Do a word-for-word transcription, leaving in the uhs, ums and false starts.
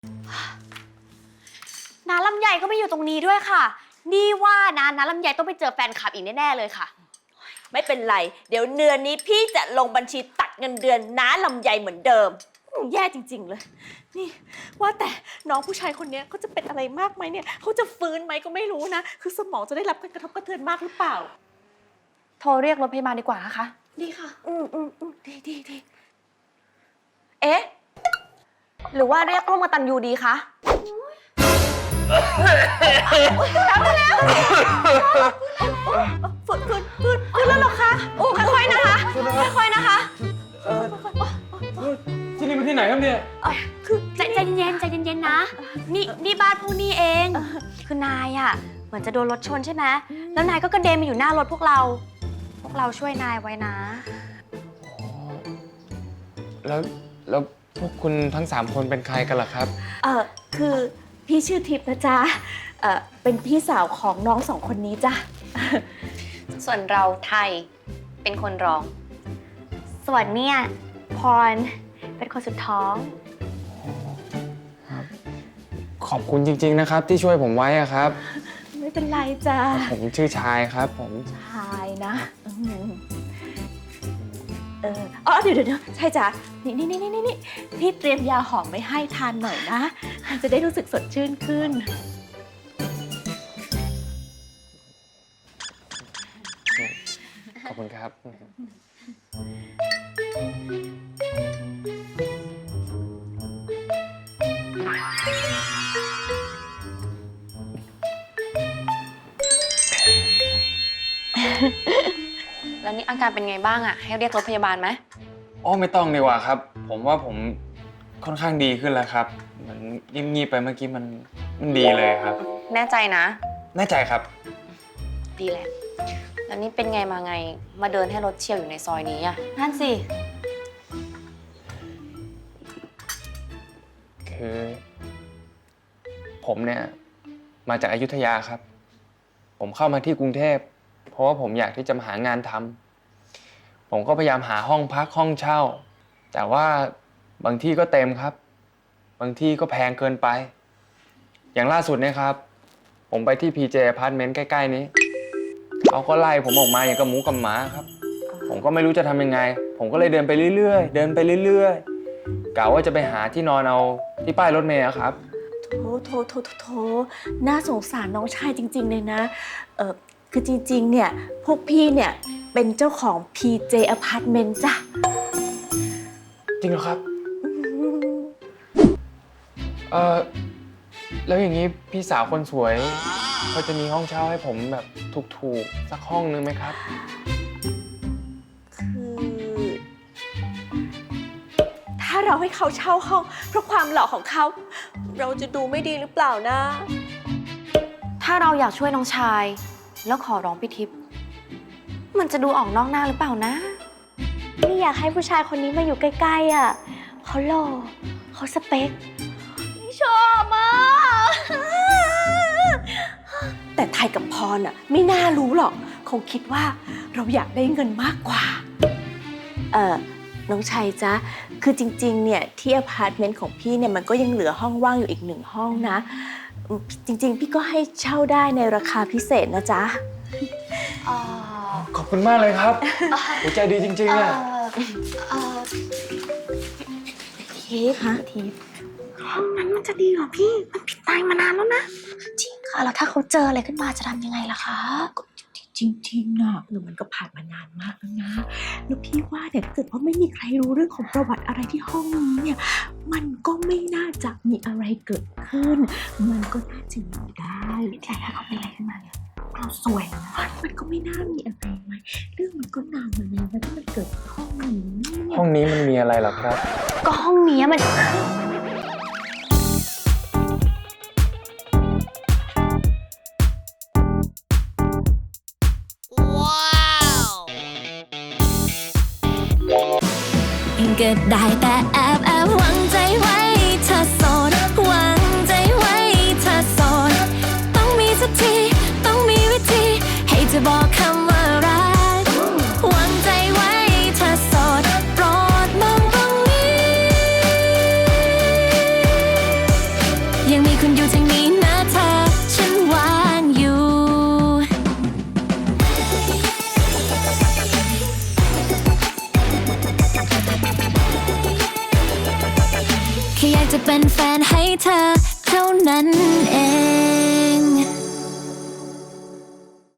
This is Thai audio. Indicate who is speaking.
Speaker 1: น้าลำไยก็ไม่อยู่ตรงนี้ด้วยค่ะนี่ว่านะน้าลำไยต้องไปเจอแฟนคลับอีกแน่ๆเลยค่ะ
Speaker 2: ไม่เป็นไรเดี๋ยวเดือนนี้พี่จะลงบัญชีตัดเงินเดือนน้าลำไยเหมือนเดิมแย่จริงๆเลยนี่ว่าแต่น้องผู้ชายคนนี้เขาจะเป็นอะไรมากไหมเนี่ยเขาจะฟื้นไหมก็ไม่รู้นะคือสมองจะได้รับการกระทบกระเทือนมากหรือเปล่า
Speaker 1: โทรเรียกรถพยาบาลดีกว่านะคะ
Speaker 2: ดีค่ะอืมอืมอืมดีดีดี
Speaker 1: เอ๊ะหรือว่าเรียกร่วมกตัญญูดีคะ
Speaker 2: ทำไปแล้วฟื้นฟื้นฟื้นฟื้นแล้วหรอคะ
Speaker 1: โอ้ค่อยๆนะคะค่อยๆนะคะ
Speaker 3: ที่นี่เป็นที่ไหนครับเนี่ย
Speaker 1: คือใจใจเย็นใจเย็นๆนะนี่นี่บ้านพวกนี้เองคือนายอ่ะเหมือนจะโดนรถชนใช่ไหมแล้วนายก็กระเด็นมาอยู่หน้ารถพวกเราพวกเราช่วยนายไว้นะ
Speaker 3: แล้วแล้วพวกคุณทั้งสามคนเป็นใครกันล่ะครับ
Speaker 2: เออคือพี่ชื่อทิพย์นะจ๊ะเออเป็นพี่สาวของน้องสองคนนี้จ้ะ
Speaker 1: ส่วนเราไทยเป็นคนร้องส่วนเนี่ยพรเป็นคนสุดท้อง
Speaker 3: ขอบคุณจริงๆนะครับที่ช่วยผมไว้อะครับ
Speaker 2: ไม่เป็นไรจ้ะ
Speaker 3: ผมชื่อชายครับผม
Speaker 2: ชายนะเอออ๋อเดี๋ยวเดี๋ยวใช่จ้ะนี่นี่นี่นี่นี่พี่เตรียมยาหอมไว้ให้ทานหน่อยนะจะได้รู้สึกสดชื่นขึ้น
Speaker 3: ขอบคุณครับ
Speaker 1: แล้วนี่อาการเป็นไงบ้างอ่ะให้เรียกรถพยาบาลไหม
Speaker 3: อ๋อไม่ต้องดีกว่าครับผมว่าผมค่อนข้างดีขึ้นแล้วครับเหมือนงีบๆไปเมื่อกี้มันมันดีเลยครับ
Speaker 1: แน่ใจนะ
Speaker 3: แน่ใจครับ
Speaker 1: ดีแหละแล้วนี่เป็นไงมาไงมาเดินให้รถเฉี่ยวอยู่ในซอยนี้อ่ะนั่นสิ
Speaker 3: คือผมเนี่ยมาจากอยุธยาครับผมเข้ามาที่กรุงเทพเพราะว่าผมอยากที่จะมาหางานทำผมก็พยายามหาห้องพักห้องเช่าแต่ว่าบางที่ก็เต็มครับบางที่ก็แพงเกินไปอย่างล่าสุดเนี่ยครับผมไปที่ พี เจ Apartment ใกล้ๆนี้เขาก็ไล่ผมออกมาอย่างกับหมูกับหมาครับผมก็ไม่รู้จะทำยังไงผมก็เลยเดินไปเรื่อยๆเดินไปเรื่อยๆกะว่าจะไปหาที่นอนเอาที่ป้ายรถเมล์ครับ
Speaker 2: โถโถโถโถน่าสงสารน้องชายจริงๆเลยนะเออคือจริงๆเนี่ยพวกพี่เนี่ยเป็นเจ้าของ พี เจ Apartment จ้ะ
Speaker 3: จริงเหรอครับเออแล้วอย่างนี้พี่สาวคนสวยเขาจะมีห้องเช่าให้ผมแบบถูกๆสักห้องนึงไหมครับ
Speaker 2: คือถ้าเราให้เขาเช่าห้องเพราะความหล่อของเขาเราจะดูไม่ดีหรือเปล่านะ
Speaker 1: ถ้าเราอยากช่วยน้องชายแล้วขอร้องพี่ทิพย์มันจะดูออกนอกหน้าหรือเปล่านะนี่อยากให้ผู้ชายคนนี้มาอยู่ใกล้ๆอ่ะเขาหล่อเขาสเปคชอบมาก
Speaker 2: แต่ไทยกับพรอ่ะไม่น่ารู้หรอกคงคิดว่าเราอยากได้เงินมากกว่าเออน้องชัยจ๊ะคือจริงๆเนี่ยที่อพาร์ตเมนต์ของพี่เนี่ยมันก็ยังเหลือห้องว่างอยู่อีกหนึ่งห้องนะจริงๆพี่ก็ให้เช่าได้ในราคาพิเศษนะจ๊ะ
Speaker 3: ขอบคุณมากเลยครับหัวใจดีจริงๆอ่ะ
Speaker 1: ทิพย์ทิพย์ห้องนั้นมันจะดีเหรอพี่มันผิดตายมานานแล้วนะจริงค่ะแล้วถ้าเขาเจออะไรขึ้นมาจะทำยังไงล่ะคะ
Speaker 2: จริงๆนะหรือมันก็ผ่านมานานมากแล้วนะแล้วพี่ว่าเนี่ยถ้าเกิดว่าไม่มีใครรู้เรื่องของประวัติอะไรที่ห้องนี้เนี่ยมันก็ไม่น่าจะมีอะไรเกิดขึ้นมันก็น่าจะอยู่ได้
Speaker 1: แต่ถ้าเขาเป็นอะไรขึ้นมาเนี่ย
Speaker 2: เราสวยนะมันก็ไม่น่ามีอะไรไหมเรื่องมันก็นานมาแล้วที่มันเกิดห้องนี้
Speaker 3: ห้องนี้มันมีอะไรหรอครับ
Speaker 1: ก็ห้องนี้มัน
Speaker 4: ก็ได้แต่แอบแอบหวังใจไว้เธอโสดหวังใจไว้เธอโสดต้องมีสักทีต้องมีวิธีให้เธอบอกคำว่ารักหวังใจไว้เธอโสดโปรดมองตรงนี้จะเป็นแฟนให้เธอเท่านั้นเอง